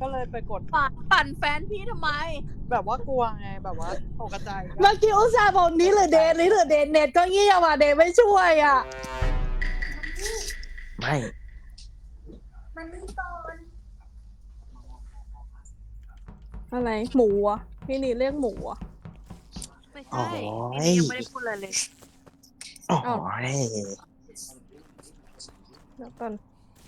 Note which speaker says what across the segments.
Speaker 1: ก็เลยไปกด
Speaker 2: ปั่นแฟนพี่ทำไม
Speaker 1: แบบว่ากลัวไงแบบว่าตกใจ
Speaker 3: เมื่อกี้อุตส่าห์บอกนี้หรือเดนเน็ตก็เงียบอ่ะเดนไม่ช่วยอ่ะ
Speaker 4: ไม่
Speaker 5: มันไม่ก่อน
Speaker 3: อะไรหมูอ่ะพี่นี่เรียกหมูอ่ะ
Speaker 2: ไม่
Speaker 4: โอ้
Speaker 2: ใช่
Speaker 4: ย
Speaker 2: ยังไม่ได้พูดอะไรเลย
Speaker 4: โอ้ย
Speaker 3: เดี๋ยวก่อน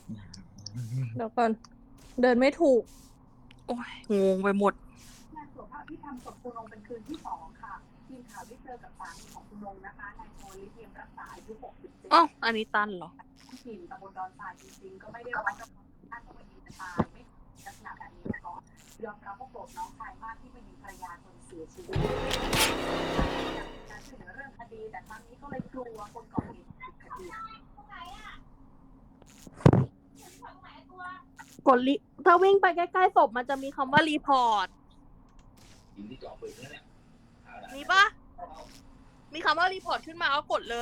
Speaker 3: เดินไม่ถูก
Speaker 2: โอ้ยงงไปหมด
Speaker 5: งานสวดพระอภิธรรมศพคุณนงเป็นคืนที่2ค่ะทีมข่าวได้เจอกับสามีของคุณนงนะคะนายโทลิเทียมรักษาอายุ67
Speaker 2: อ๋อ อันนี้ตันเหรอ
Speaker 5: ถิ่นตำบลดอนทรายจริงๆก็ไม่ได้ร้อนกับท่านว่ายิงจะตายไม่ลักษณะแบบนี้มาก่อนยอมรับว่าโกรธน้องชายมากที่ไปยิงภรรยาจนเสียชีวิตการช่วยเหลือเรื่องคดีแต่ครั้งนี้ก็เลยกลัวคนก่อเหตุผิดคดี
Speaker 2: กดถ้าวิ่งไปใกล้ๆศพมันจะมีคำว่ารีพอร์ตมีปะมีคำว่ารีพอร์ตขึ้นมาก็กดเลย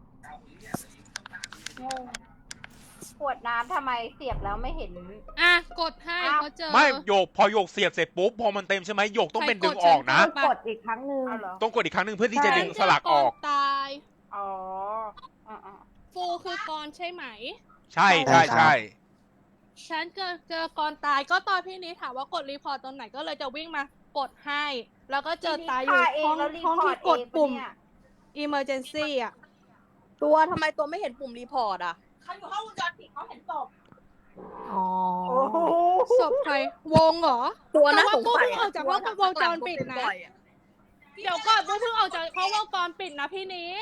Speaker 5: ขวดน้ำทำไมเสียบแล้วไม่เห็น
Speaker 6: อ่ะกดให้เขาเจอ
Speaker 7: ไม่โยกพอโยกเสียบเสร็จปุ๊บพอมันเต็มใช่ไหมโยกต้องเป็นดึงออกนะ
Speaker 6: ใครกดฉัน
Speaker 5: กดอีกครั้งหนึ่ง
Speaker 7: ต้องกดอีกครั้งหนึ่งเพื่อที่จะดึงสลักออก
Speaker 6: ตาย
Speaker 5: อ๋อ
Speaker 6: ฟูคือกรใช่ไหม
Speaker 7: ใช่ใช่ใช่
Speaker 6: ฉันเจอกรตายก็ตอนพี่นี้ถามว่ากดรีพอร์ตตรงไหนก็เลยจะวิ่งมากดให้ แล้วก็เจอตายอยู่ห้องที่กดปุ่ม emergency อ่ะ
Speaker 2: ตัวทำไมตัวไม่เห็นปุ่มรีพอร์ตอ่ะ
Speaker 5: เขาอยู่ห้องวงจรปิดเขาเห็นศพ
Speaker 2: อ๋อ
Speaker 6: ศพใครวงเหรอ
Speaker 2: ตัวน่า
Speaker 6: แต่
Speaker 2: ส
Speaker 6: ว่าง
Speaker 2: สัย
Speaker 6: กูเพิ่งออกจากห้องวงจรปิดนะ เดี๋ยวก่อนกูเพิ่งออกจากห้องวงจรปิดนะพี่นี้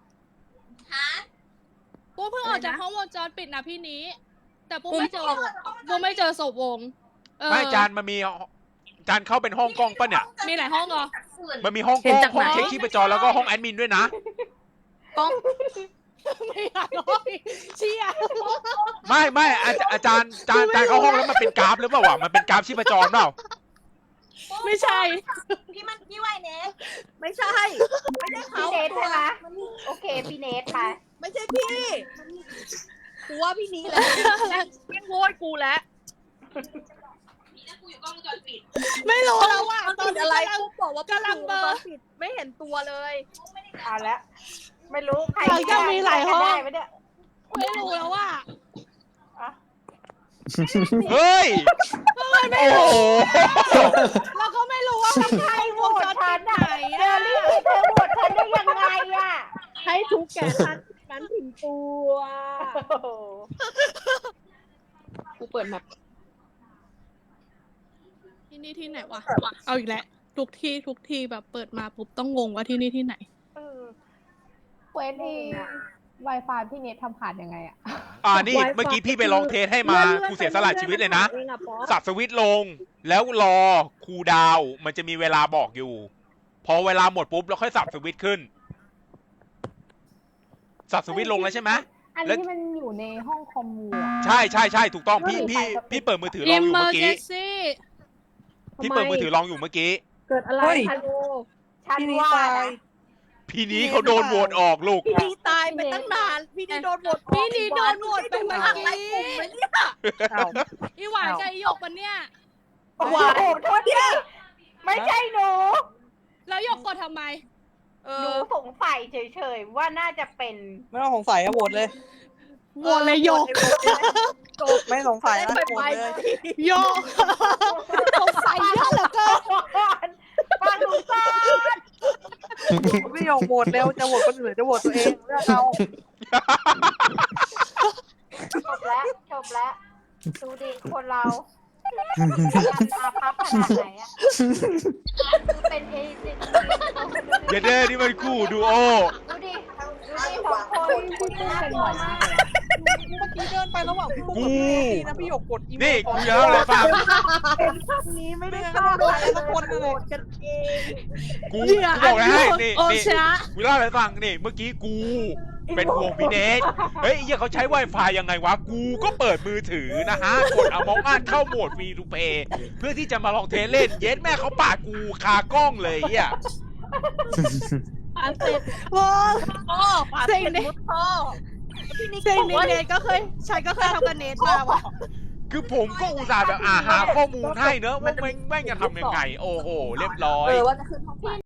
Speaker 6: กูเพิ่งออกจากห้องวงจรปิดนะพี่นี้ แต่กูไม่เจอศพวง
Speaker 7: ไม่จานมันมีจานเข้าเป็นห้องกล้องปะเนี่ย
Speaker 6: มีหลายห้องเหรอ
Speaker 7: มันมีห้องกล้องห้องเช็คชีพจรแล้วก็ห้องแอดมินด้วยนะ
Speaker 2: กล้อง
Speaker 6: ไม่หลายห้องเชี่ย
Speaker 7: ไม่อาจารย์เข้าห้องแล้วมันเป็นกราฟหรือเปล่าวะมันเป็นกราฟชีพจรเปล่า
Speaker 6: ไม่ใช่
Speaker 5: พี่ไวเนส
Speaker 2: ไม่ใช่ ไม่ใช่เขา
Speaker 5: พี่เนสใช่ไหมโอเคพี่เนสค่ะ
Speaker 2: ไม่ใช่พี่กูว่าพี่นี้แหละแม่งโวยกูแล้ว
Speaker 6: ไม่รู้แล้วว่า
Speaker 2: ตอนอะไรกูบอกว่าำลังเบอร์ผิดไม่เห็นตัวเลย
Speaker 5: เอาละไม่รู้ใคร
Speaker 6: เขายังมีหลายห้อง
Speaker 5: ได้ไหมเนี่ย
Speaker 6: ไม่รู้แล้วว่า
Speaker 7: เฮ้ยโอ้โห
Speaker 6: เราก็ไม่รู้ว่ามันใครวงจรปิดไหน
Speaker 5: เจอรี่เธอโหวตฉันได้ยังไงอ่ะ
Speaker 3: ให้ทุกแก่ท่านนั้นถึงตัว
Speaker 2: กูเปิดแมป
Speaker 6: ที่นี่ที่ไหนวะ เอาอีกแล้วทุกที่แบบเปิดมาปุ๊บต้องงงว่าที่นี่ที่ไหน
Speaker 8: เควสที่ Wi-Fi พี่เน็ตทำขาดยังไงอะ
Speaker 7: นี่เมื่อกี้พี่ไปลองเทสให้มากูเสียสละชีวิตเลยนะสับสวิตช์ลงแล้วรอคูลดาวน์มันจะมีเวลาบอกอยู่ พอเวลาหมดปุ๊บแล้วค่อยสับสวิตช์ขึ้นสับสวิตช์ลงแล้วใช่ไหม
Speaker 8: อันนี้ที่มันอยู่ในห้องคอมมูอะ
Speaker 7: ใช่ถูกต้องพี่เปิดมือถือลองอยู่เมื่อกี้
Speaker 6: Emergency
Speaker 7: พี่เปิดมือถือลองอยู่เมื่อกี้
Speaker 3: เกิดอะไรคะลูก
Speaker 5: ฉัน
Speaker 1: พี่นี่
Speaker 5: ว่า
Speaker 1: ตาย
Speaker 5: นะ
Speaker 7: พี่นี้เขาโดนโหวตออกลูก
Speaker 2: พี่นี้ตายไปตั้งนานพี่นี้โดนโหวต
Speaker 6: พี่นี้โดนโหวตไปเมื่อ
Speaker 2: อะไร
Speaker 6: กี้
Speaker 2: กลุ่มไหมเนี่ย
Speaker 1: อ้าว
Speaker 6: อีหวานกับอีหยกมันเนี่ย
Speaker 5: โอ้โหโทษทีไม่ใช่หนู
Speaker 6: แล้วหยกกดทำไม
Speaker 5: หนูสงสัยเฉยๆว่าน่าจะเป็น
Speaker 1: ไม่ต้องสงสัยอะโหวตเลย
Speaker 6: โหวตเลยหยก
Speaker 1: ไม่สงสัยนะ
Speaker 2: ไป
Speaker 1: โหว
Speaker 2: ไป
Speaker 1: ตเลย
Speaker 6: หยกสงสัยเยอะเหลือเกิน
Speaker 5: ฟังหนูก่อน
Speaker 1: ไม่ยอมโหวตเร็วจะโหวตคนอื่นจะโหวตตัวเองเลือกเอา
Speaker 5: จบแล้วดูดิคนเราอาภัพขนาดไหนอะเป็นเอเจนต์
Speaker 7: อย่าเด้อนี่มันคู่ดูโอ
Speaker 5: ดูดิสองคนคุณเป็นหมดมาก
Speaker 1: เมื่อกี้เดินไประหว่างพี่ปุ๊กกับพี่เนสนะพี่หยกกดอีเมล
Speaker 7: นี่กูเยอะเลยฟัง
Speaker 1: นี้ไม่ได้เข้าโดนอะไรสักคนเลย
Speaker 2: กันเอง
Speaker 7: กูบอกเลยให้นี่
Speaker 6: โอชนะ
Speaker 7: กูเล่าให้ฟังนี่เมื่อกี้กูเป็นห่วงพี่เนทเฮ้ยเขาใช้ Wi-Fi ยังไงวะกูก็เปิดมือถือนะฮะกดเอามองอ่านเข้าโหมดฟรีทูเพย์เพื่อที่จะมาลองเทสเล่นเย็ดแม่เขาปาดกูคากล้องเลยอ่ะ
Speaker 3: อันติด
Speaker 2: พ่อปาด
Speaker 6: สิ่ง
Speaker 2: เป็น
Speaker 6: นี้
Speaker 2: มุดพ่อพี่นิก
Speaker 6: สิ่ง
Speaker 2: บอก
Speaker 6: นี้
Speaker 2: ว่า
Speaker 6: เนทก็เคยฉันก็เคยทำกับเนทมาว่ะ
Speaker 7: คือผมก็อุตส่าห์แบบหาข้อมูลให้เนอะว่าแม่งจะทำยังไง โอ้โห เรียบร้อย
Speaker 2: ว่าจะขึ้นห้องไฟ